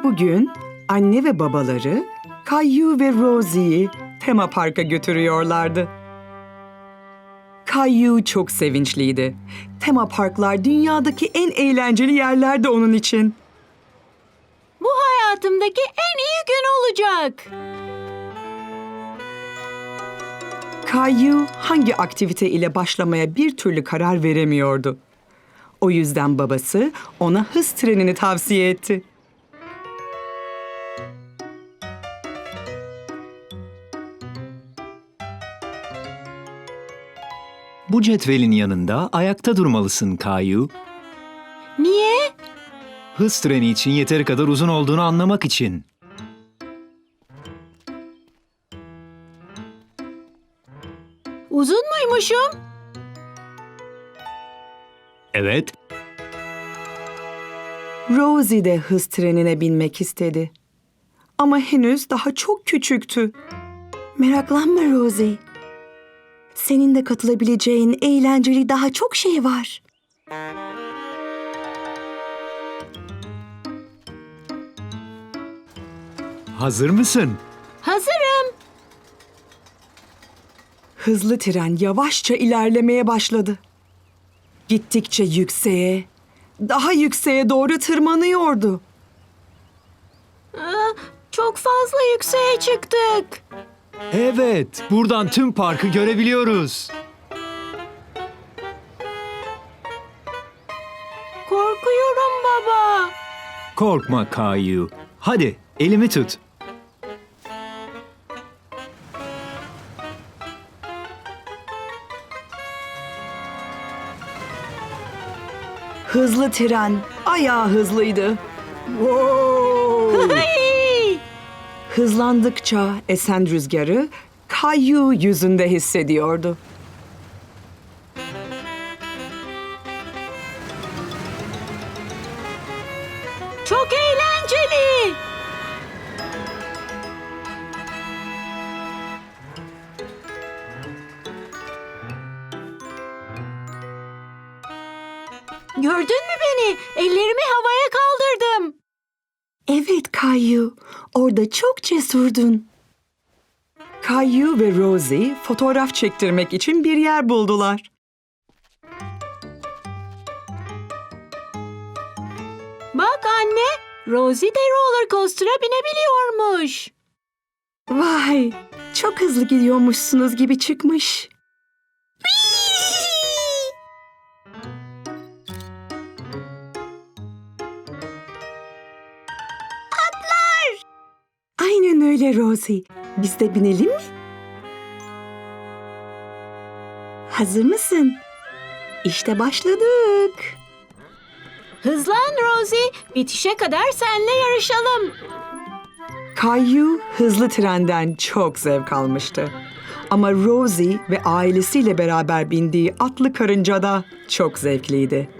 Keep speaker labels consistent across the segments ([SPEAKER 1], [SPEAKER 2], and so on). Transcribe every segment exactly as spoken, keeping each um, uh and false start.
[SPEAKER 1] Bugün anne ve babaları Caillou ve Rosie'yi tema parka götürüyorlardı. Caillou çok sevinçliydi. Tema parklar dünyadaki en eğlenceli yerlerdi onun için.
[SPEAKER 2] Bu hayatımdaki en iyi gün olacak.
[SPEAKER 1] Caillou hangi aktivite ile başlamaya bir türlü karar veremiyordu. O yüzden babası ona hız trenini tavsiye etti.
[SPEAKER 3] Bu cetvelin yanında ayakta durmalısın Caillou.
[SPEAKER 2] Niye?
[SPEAKER 3] Hız treni için yeteri kadar uzun olduğunu anlamak için.
[SPEAKER 2] Uzun muymuşum?
[SPEAKER 3] Evet.
[SPEAKER 1] Rosie de hız trenine binmek istedi. Ama henüz daha çok küçüktü. Meraklanma Rosie. Senin de katılabileceğin eğlenceli daha çok şey var.
[SPEAKER 3] Hazır mısın?
[SPEAKER 2] Hazırım.
[SPEAKER 1] Hızlı tren yavaşça ilerlemeye başladı. Gittikçe yükseğe, daha yükseğe doğru tırmanıyordu.
[SPEAKER 2] Aa, çok fazla yükseğe çıktık.
[SPEAKER 3] Evet, buradan tüm parkı görebiliyoruz.
[SPEAKER 2] Korkuyorum baba.
[SPEAKER 3] Korkma Caillou. Hadi, elimi tut.
[SPEAKER 1] Hızlı tren ayağı hızlıydı.
[SPEAKER 2] Hey!
[SPEAKER 1] Hızlandıkça esen rüzgarı Caillou yüzünde hissediyordu.
[SPEAKER 2] Çok eğlenceli. Gördün mü beni? Ellerimi havaya kaldırdım.
[SPEAKER 1] Evet Caillou, orada çok cesurdun. Caillou ve Rosie fotoğraf çektirmek için bir yer buldular.
[SPEAKER 2] Bak anne, Rosie de roller coaster'a binebiliyormuş.
[SPEAKER 1] Vay, çok hızlı gidiyormuşsunuz gibi çıkmış. Aynen öyle Rosie. Biz de binelim mi? Hazır mısın? İşte başladık.
[SPEAKER 2] Hızlan Rosie, bitişe kadar seninle yarışalım.
[SPEAKER 1] Caillou hızlı trenden çok zevk almıştı. Ama Rosie ve ailesiyle beraber bindiği atlı karınca da çok zevkliydi.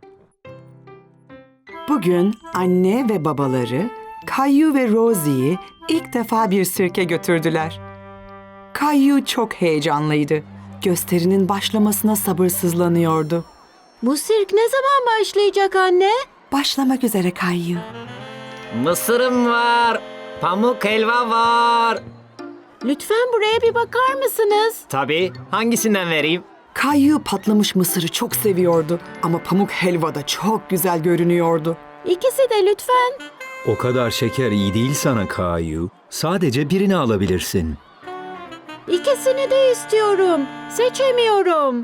[SPEAKER 1] Bugün anne ve babaları Caillou ve Rosie'yi ilk defa bir sirke götürdüler. Caillou çok heyecanlıydı. Gösterinin başlamasına sabırsızlanıyordu.
[SPEAKER 2] Bu sirk ne zaman başlayacak anne?
[SPEAKER 1] Başlamak üzere Caillou.
[SPEAKER 4] Mısırım var. Pamuk helva var.
[SPEAKER 2] Lütfen buraya bir bakar mısınız?
[SPEAKER 4] Tabii. Hangisinden vereyim?
[SPEAKER 1] Caillou patlamış mısırı çok seviyordu ama pamuk helva da çok güzel görünüyordu.
[SPEAKER 2] İkisi de lütfen.
[SPEAKER 3] O kadar şeker iyi değil sana Caillou. Sadece birini alabilirsin.
[SPEAKER 2] İkisini de istiyorum. Seçemiyorum.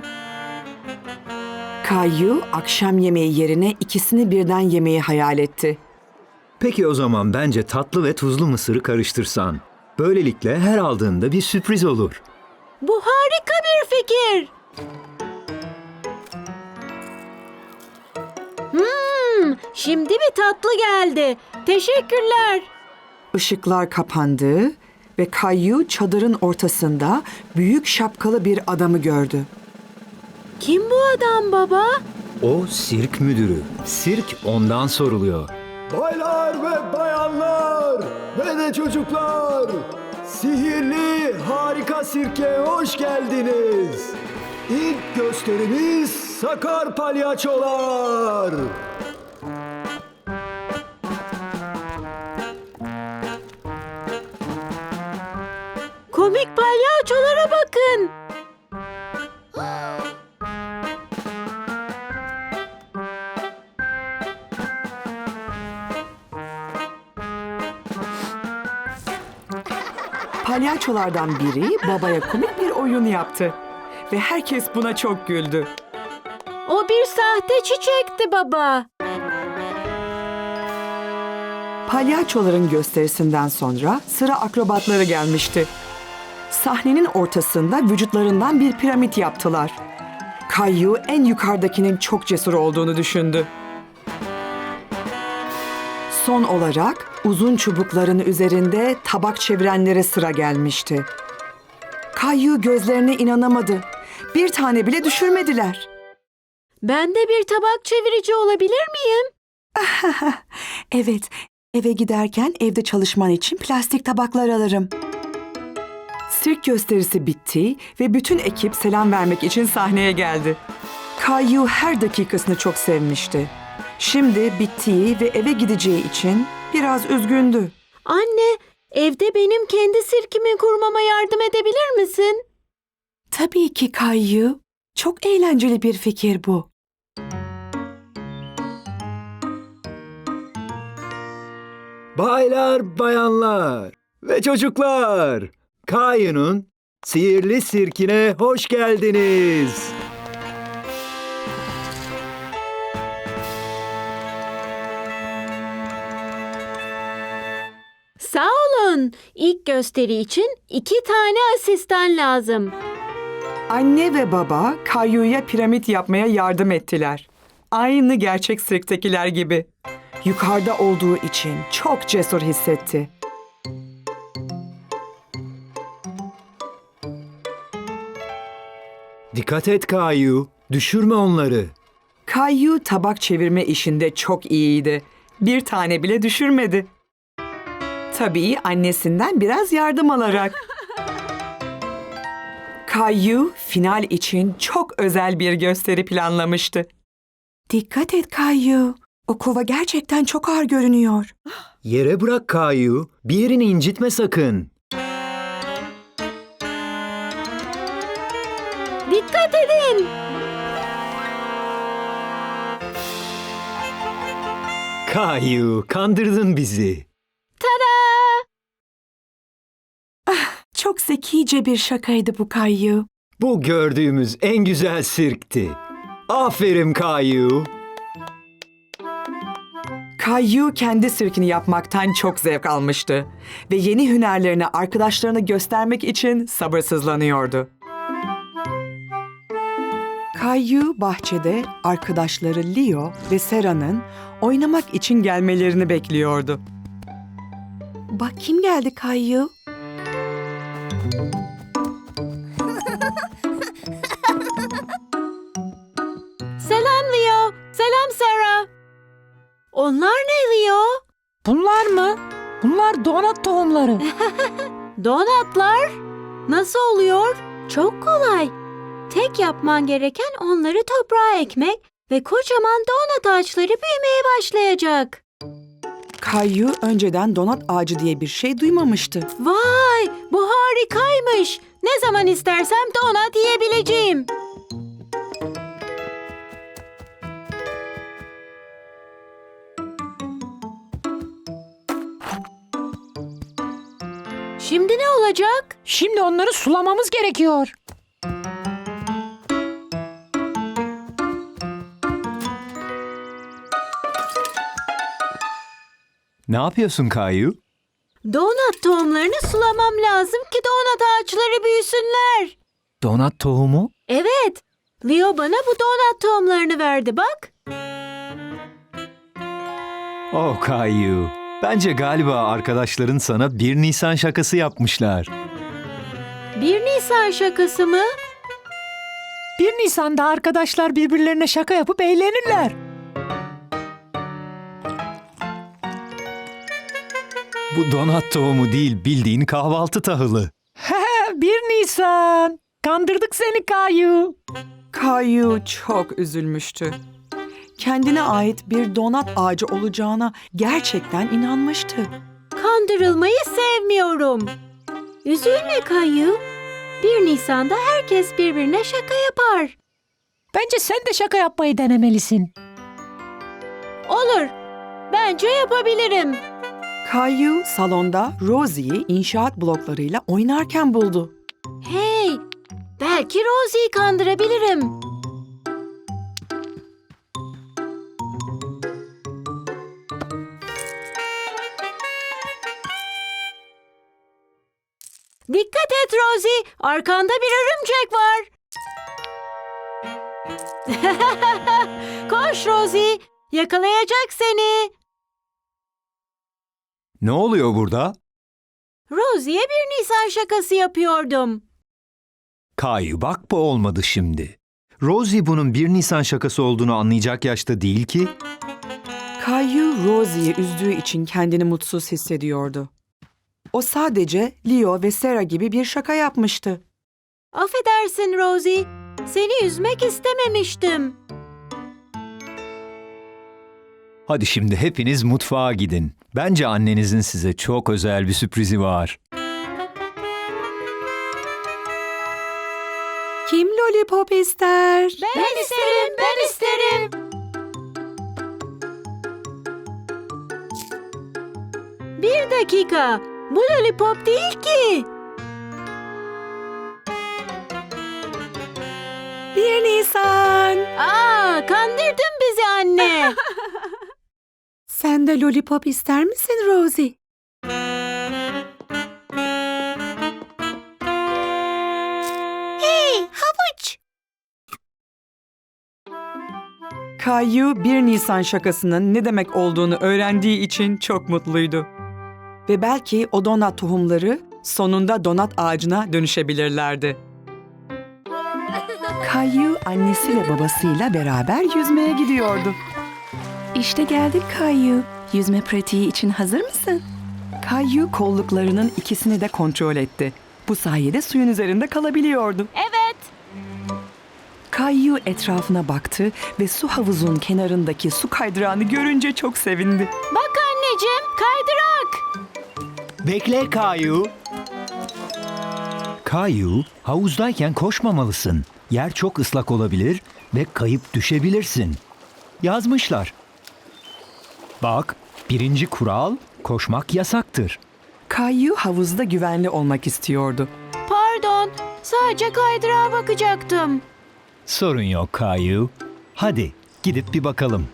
[SPEAKER 1] Caillou akşam yemeği yerine ikisini birden yemeyi hayal etti.
[SPEAKER 3] Peki o zaman bence tatlı ve tuzlu mısırı karıştırsan. Böylelikle her aldığında bir sürpriz olur.
[SPEAKER 2] Bu harika bir fikir. Hmm, şimdi bir tatlı geldi. Teşekkürler.
[SPEAKER 1] Işıklar kapandı ve Caillou çadırın ortasında büyük şapkalı bir adamı gördü.
[SPEAKER 2] Kim bu adam baba?
[SPEAKER 3] O sirk müdürü. Sirk ondan soruluyor.
[SPEAKER 5] Baylar ve bayanlar ve de çocuklar, sihirli harika sirke hoş geldiniz. İlk gösterimiz Sakar Palyaçolar.
[SPEAKER 2] Palyaçolara bakın.
[SPEAKER 1] Palyaçolardan biri babaya komik bir oyun yaptı. Ve herkes buna çok güldü.
[SPEAKER 2] O bir sahte çiçekti baba.
[SPEAKER 1] Palyaçoların gösterisinden sonra sıra akrobatları gelmişti. Sahnenin ortasında vücutlarından bir piramit yaptılar. Kayu en yukarıdakinin çok cesur olduğunu düşündü. Son olarak uzun çubukların üzerinde tabak çevirenlere sıra gelmişti. Kayu gözlerine inanamadı. Bir tane bile düşürmediler.
[SPEAKER 2] Ben de bir tabak çevirici olabilir miyim?
[SPEAKER 1] Evet, eve giderken evde çalışman için plastik tabaklar alırım. Sirk gösterisi bitti ve bütün ekip selam vermek için sahneye geldi. Kayu her dakikasını çok sevmişti. Şimdi bittiği ve eve gideceği için biraz üzgündü.
[SPEAKER 2] Anne, evde benim kendi sirkimi kurmama yardım edebilir misin?
[SPEAKER 1] Tabii ki Kayu. Çok eğlenceli bir fikir bu.
[SPEAKER 3] Baylar, bayanlar ve çocuklar, Kayu'nun sihirli sirkine hoş geldiniz.
[SPEAKER 2] Sağ olun. İlk gösteri için iki tane asistan lazım.
[SPEAKER 1] Anne ve baba Kayu'ya piramit yapmaya yardım ettiler. Aynı gerçek sirktekiler gibi. Yukarıda olduğu için çok cesur hissetti.
[SPEAKER 3] Dikkat et Kayu, düşürme onları.
[SPEAKER 1] Kayu tabak çevirme işinde çok iyiydi. Bir tane bile düşürmedi. Tabii annesinden biraz yardım alarak. Kayu final için çok özel bir gösteri planlamıştı. Dikkat et Kayu. O kova gerçekten çok ağır görünüyor.
[SPEAKER 3] Yere bırak Kayu, bir yerini incitme sakın.
[SPEAKER 2] Dikkat edin.
[SPEAKER 3] Kayu, kandırdın bizi.
[SPEAKER 2] Tada!
[SPEAKER 1] Çok zekice bir şakaydı bu Kayu.
[SPEAKER 3] Bu gördüğümüz en güzel sirkti. Aferin Kayu.
[SPEAKER 1] Kayu kendi sirkini yapmaktan çok zevk almıştı ve yeni hünerlerini arkadaşlarına göstermek için sabırsızlanıyordu. Kayu bahçede arkadaşları Leo ve Sera'nın oynamak için gelmelerini bekliyordu. Bak kim geldi Kayu?
[SPEAKER 2] Selam Leo. Selam Sarah. Onlar ne Leo?
[SPEAKER 6] Bunlar mı? Bunlar donat tohumları.
[SPEAKER 2] Donatlar. Nasıl oluyor? Çok kolay. Tek yapman gereken onları toprağa ekmek ve kocaman donat ağaçları büyümeye başlayacak.
[SPEAKER 1] Kayu önceden donat ağacı diye bir şey duymamıştı.
[SPEAKER 2] Vay, bu harikaymış. Ne zaman istersem donat yiyebileceğim. Şimdi ne olacak?
[SPEAKER 6] Şimdi onları sulamamız gerekiyor.
[SPEAKER 3] Ne yapıyorsun Kayu?
[SPEAKER 2] Donat tohumlarını sulamam lazım ki donat ağaçları büyüsünler.
[SPEAKER 3] Donat tohumu?
[SPEAKER 2] Evet, Leo bana bu donat tohumlarını verdi bak.
[SPEAKER 3] Oh Kayu, bence galiba arkadaşların sana bir Nisan şakası yapmışlar.
[SPEAKER 2] Bir Nisan şakası mı?
[SPEAKER 6] bir Nisan'da arkadaşlar birbirlerine şaka yapıp eğlenirler.
[SPEAKER 3] Bu donat tohumu değil, bildiğin kahvaltı tahılı.
[SPEAKER 6] bir Nisan. Kandırdık seni Kayu.
[SPEAKER 1] Kayu çok üzülmüştü. Kendine ait bir donat ağacı olacağına gerçekten inanmıştı.
[SPEAKER 2] Kandırılmayı sevmiyorum. Üzülme Kayu. bir Nisan'da herkes birbirine şaka yapar.
[SPEAKER 6] Bence sen de şaka yapmayı denemelisin.
[SPEAKER 2] Olur. Bence yapabilirim.
[SPEAKER 1] Kayu salonda Rosie'yi inşaat bloklarıyla oynarken buldu.
[SPEAKER 2] Hey, belki Rosie'yi kandırabilirim. Dikkat et Rosie, arkanda bir örümcek var. Koş Rosie, yakalayacak seni.
[SPEAKER 3] Ne oluyor burada?
[SPEAKER 2] Rosie'ye bir Nisan şakası yapıyordum.
[SPEAKER 3] Kayu bak bu olmadı şimdi. Rosie bunun bir Nisan şakası olduğunu anlayacak yaşta değil ki.
[SPEAKER 1] Kayu Rosie'yi üzdüğü için kendini mutsuz hissediyordu. O sadece Leo ve Sarah gibi bir şaka yapmıştı.
[SPEAKER 2] Affedersin Rosie, seni üzmek istememiştim.
[SPEAKER 3] Hadi şimdi hepiniz mutfağa gidin. Bence annenizin size çok özel bir sürprizi var.
[SPEAKER 1] Kim lollipop ister?
[SPEAKER 2] Ben isterim, ben isterim. Bir dakika, bu lollipop değil ki.
[SPEAKER 1] Bir Nisan.
[SPEAKER 2] Aa, kandırdın bizi anne.
[SPEAKER 1] Sen de lollipop ister misin Rosie?
[SPEAKER 2] Hey, havuç.
[SPEAKER 1] Kayu bir Nisan şakasının ne demek olduğunu öğrendiği için çok mutluydu. Ve belki o donat tohumları sonunda donat ağacına dönüşebilirlerdi. Kayu annesi ve babasıyla beraber yüzmeye gidiyordu. İşte geldik Kayu. Yüzme pratiği için hazır mısın? Kayu kolluklarının ikisini de kontrol etti. Bu sayede suyun üzerinde kalabiliyordu.
[SPEAKER 2] Evet.
[SPEAKER 1] Kayu etrafına baktı ve su havuzun kenarındaki su kaydırağını görünce çok sevindi.
[SPEAKER 2] Bak anneciğim, kaydırak.
[SPEAKER 3] Bekle Kayu. Kayu, havuzdayken koşmamalısın. Yer çok ıslak olabilir ve kayıp düşebilirsin. Yazmışlar. Bak, birinci kural, koşmak yasaktır.
[SPEAKER 1] Kayu havuzda güvenli olmak istiyordu.
[SPEAKER 2] Pardon, sadece kaydırağa bakacaktım.
[SPEAKER 3] Sorun yok Kayu. Hadi gidip bir bakalım.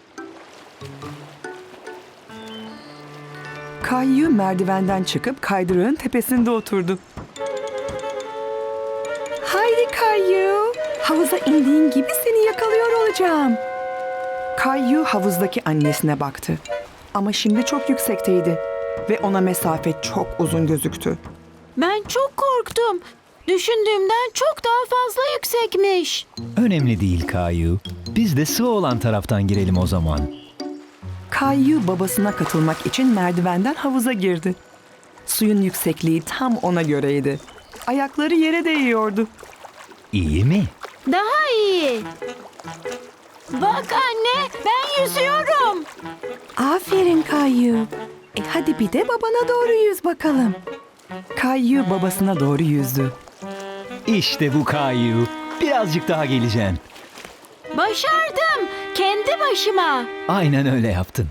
[SPEAKER 1] Kayu merdivenden çıkıp kaydırağın tepesinde oturdu. Haydi Kayu, havuza indiğin gibi seni yakalıyor olacağım. Kayu havuzdaki annesine baktı. Ama şimdi çok yüksekteydi ve ona mesafe çok uzun gözüktü.
[SPEAKER 2] Ben çok korktum. Düşündüğümden çok daha fazla yüksekmiş.
[SPEAKER 3] Önemli değil Kayu. Biz de sığ olan taraftan girelim o zaman.
[SPEAKER 1] Kayu babasına katılmak için merdivenden havuza girdi. Suyun yüksekliği tam ona göreydi. Ayakları yere değiyordu.
[SPEAKER 3] İyi mi?
[SPEAKER 2] Daha iyi. Bak anne, ben yüzüyorum.
[SPEAKER 1] Aferin Kayu. E hadi bir de babana doğru yüz bakalım. Kayu babasına doğru yüzdü.
[SPEAKER 3] İşte bu Kayu. Birazcık daha geleceksin.
[SPEAKER 2] Başardım. Kendi başıma.
[SPEAKER 3] Aynen öyle yaptın.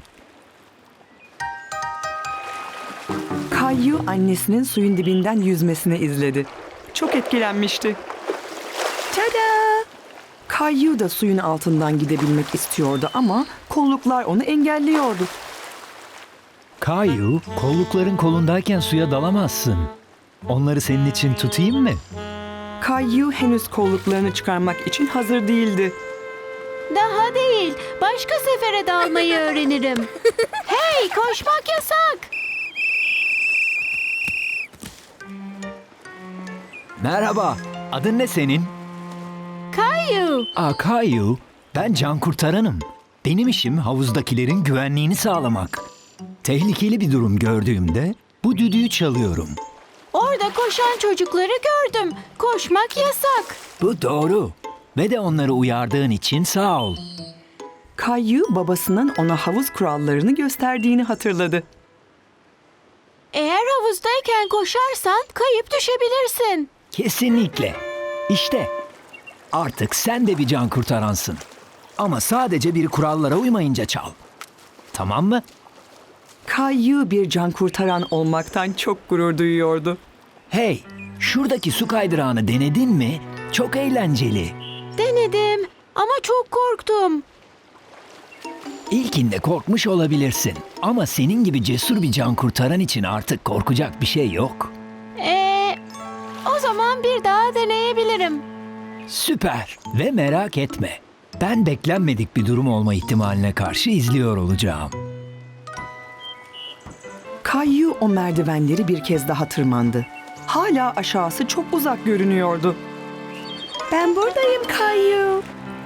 [SPEAKER 1] Kayu annesinin suyun dibinden yüzmesini izledi. Çok etkilenmişti. Tada! Kayu da suyun altından gidebilmek istiyordu ama kolluklar onu engelliyordu.
[SPEAKER 3] Kayu, kollukların kolundayken suya dalamazsın. Onları senin için tutayım mı?
[SPEAKER 1] Kayu henüz kolluklarını çıkarmak için hazır değildi.
[SPEAKER 2] Daha değil. Başka sefere dalmayı öğrenirim. Hey, koşmak yasak.
[SPEAKER 3] Merhaba, adın ne senin?
[SPEAKER 2] Kayu.
[SPEAKER 3] Aa Kayu, ben can kurtaranım. Benim işim havuzdakilerin güvenliğini sağlamak. Tehlikeli bir durum gördüğümde bu düdüğü çalıyorum.
[SPEAKER 2] Orada koşan çocukları gördüm. Koşmak yasak.
[SPEAKER 3] Bu doğru. Ve de onları uyardığın için sağ ol.
[SPEAKER 1] Kayu babasının ona havuz kurallarını gösterdiğini hatırladı.
[SPEAKER 2] Eğer havuzdayken koşarsan kayıp düşebilirsin.
[SPEAKER 3] Kesinlikle. İşte artık sen de bir can kurtaransın. Ama sadece bir kurallara uymayınca çal. Tamam mı?
[SPEAKER 1] Kayu bir can kurtaran olmaktan çok gurur duyuyordu.
[SPEAKER 3] Hey, şuradaki su kaydırağını denedin mi? Çok eğlenceli.
[SPEAKER 2] Denedim ama çok korktum.
[SPEAKER 3] İlkinde korkmuş olabilirsin. Ama senin gibi cesur bir can kurtaran için artık korkacak bir şey yok.
[SPEAKER 2] Ee, o zaman bir daha deneyebilirim.
[SPEAKER 3] Süper ve merak etme. Ben beklenmedik bir durum olma ihtimaline karşı izliyor olacağım.
[SPEAKER 1] Kayu o merdivenleri bir kez daha tırmandı. Hala aşağısı çok uzak görünüyordu. Ben buradayım Kayu.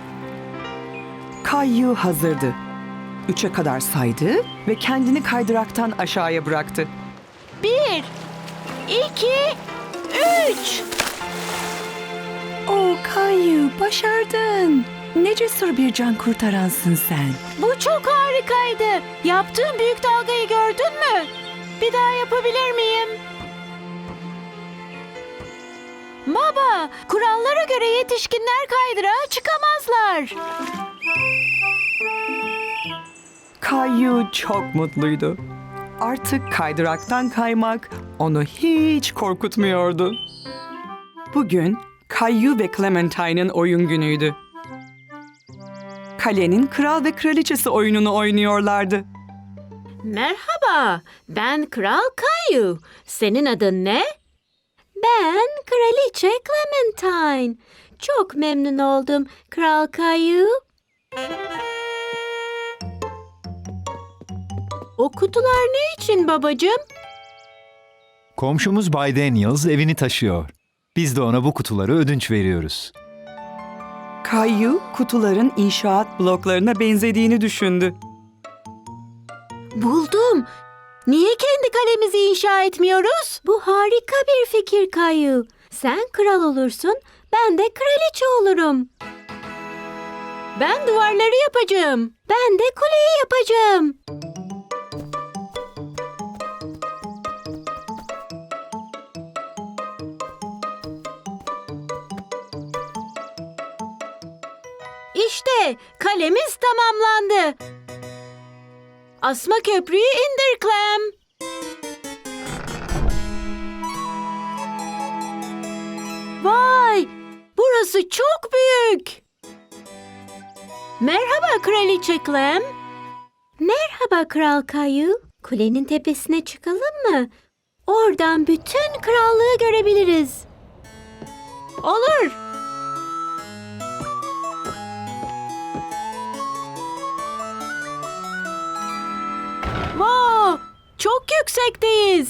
[SPEAKER 1] Kayu hazırdı. Üçe kadar saydı ve kendini kaydıraktan aşağıya bıraktı.
[SPEAKER 2] Bir, iki, üç.
[SPEAKER 1] Oo Kayu, başardın. Ne cesur bir can kurtaransın sen.
[SPEAKER 2] Bu çok harikaydı. Yaptığım büyük dalgayı gördün mü? Bir daha yapabilir miyim? Baba, kurallara göre yetişkinler kaydırağa çıkamazlar.
[SPEAKER 1] Kayu çok mutluydu. Artık kaydıraktan kaymak onu hiç korkutmuyordu. Bugün Kayu ve Clementine'ın oyun günüydü. Kalenin kral ve kraliçesi oyununu oynuyorlardı.
[SPEAKER 2] Merhaba, ben Kral Kayu. Senin adın ne? Ben Kraliçe Clementine. Çok memnun oldum Kral Kayu. O kutular ne için babacığım?
[SPEAKER 7] Komşumuz Bay Daniels evini taşıyor. Biz de ona bu kutuları ödünç veriyoruz.
[SPEAKER 1] Kayu kutuların inşaat bloklarına benzediğini düşündü.
[SPEAKER 2] Buldum. Niye kendi kalemizi inşa etmiyoruz? Bu harika bir fikir Kayu. Sen kral olursun, ben de kraliçe olurum. Ben duvarları yapacağım. Ben de kuleyi yapacağım. İşte kalemiz tamamlandı. Asma köprüyü indir Clem. Vay! Burası çok büyük. Merhaba Kraliçe Clem. Merhaba Kral Kayu. Kulenin tepesine çıkalım mı? Oradan bütün krallığı görebiliriz. Olur. Wow! Çok yüksekteyiz.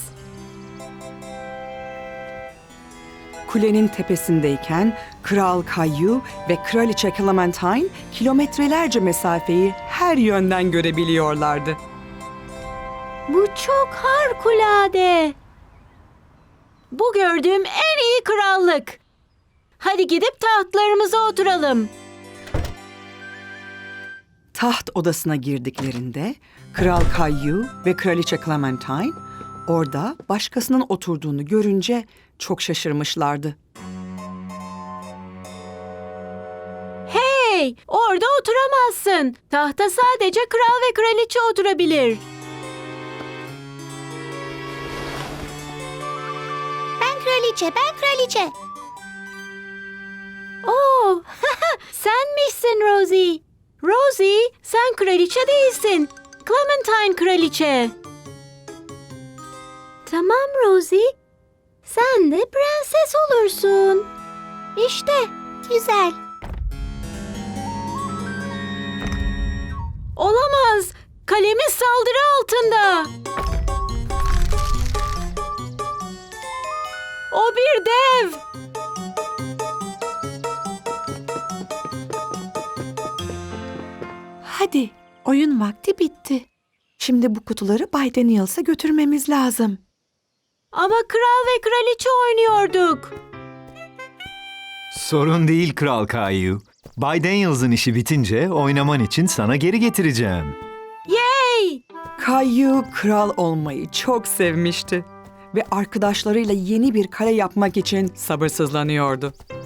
[SPEAKER 1] Kulenin tepesindeyken Kral Kayu ve Kraliçe Clementine kilometrelerce mesafeyi her yönden görebiliyorlardı.
[SPEAKER 2] Bu çok harikulade. Bu gördüğüm en iyi krallık. Hadi gidip tahtlarımıza oturalım.
[SPEAKER 1] Taht odasına girdiklerinde Kral Kayu ve Kraliçe Clementine orada başkasının oturduğunu görünce çok şaşırmışlardı.
[SPEAKER 2] Hey, orada oturamazsın. Tahta sadece kral ve kraliçe oturabilir.
[SPEAKER 8] Ben kraliçe, ben kraliçe.
[SPEAKER 2] Oo, senmişsin Rosie. Rosie, sen kraliçe değilsin. Clementine kraliçe. Tamam Rosie. Sen de prenses olursun. İşte.
[SPEAKER 8] Güzel.
[SPEAKER 2] Olamaz. Kalemiz saldırı altında. O bir dev.
[SPEAKER 1] Hadi, oyun vakti bitti. Şimdi bu kutuları Bay Daniels'a götürmemiz lazım.
[SPEAKER 2] Ama kral ve kraliçe oynuyorduk.
[SPEAKER 7] Sorun değil Kral Kayu. Bay Daniels'ın işi bitince oynaman için sana geri getireceğim.
[SPEAKER 2] Yay!
[SPEAKER 1] Kayu kral olmayı çok sevmişti ve arkadaşlarıyla yeni bir kale yapmak için sabırsızlanıyordu.